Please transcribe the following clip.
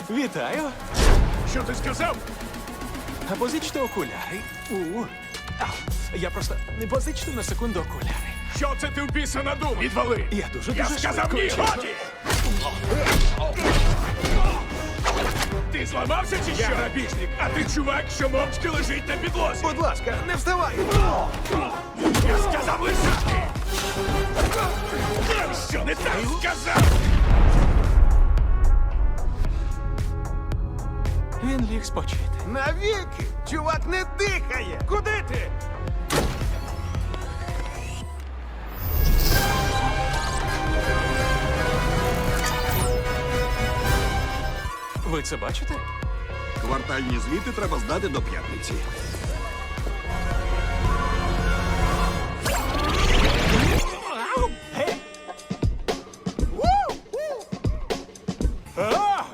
Вітаю. Що ти сказав? А позичте окуляри. Я просто не позичте на секунду окуляри. Що це ти в біса надумав? Відвали! Я дуже сказав швидко, ні, чесно. годі! Ти зламався чи що? Я грабіжник, а ти чувак, що мовчки лежить на підлозі. Будь ласка, не вставай. Я сказав лежати! Що не так сказав? Він ліг спочити. Навіки! Чувак не дихає! Куди ти? Ви це бачите? Квартальні звіти треба здати до п'ятниці.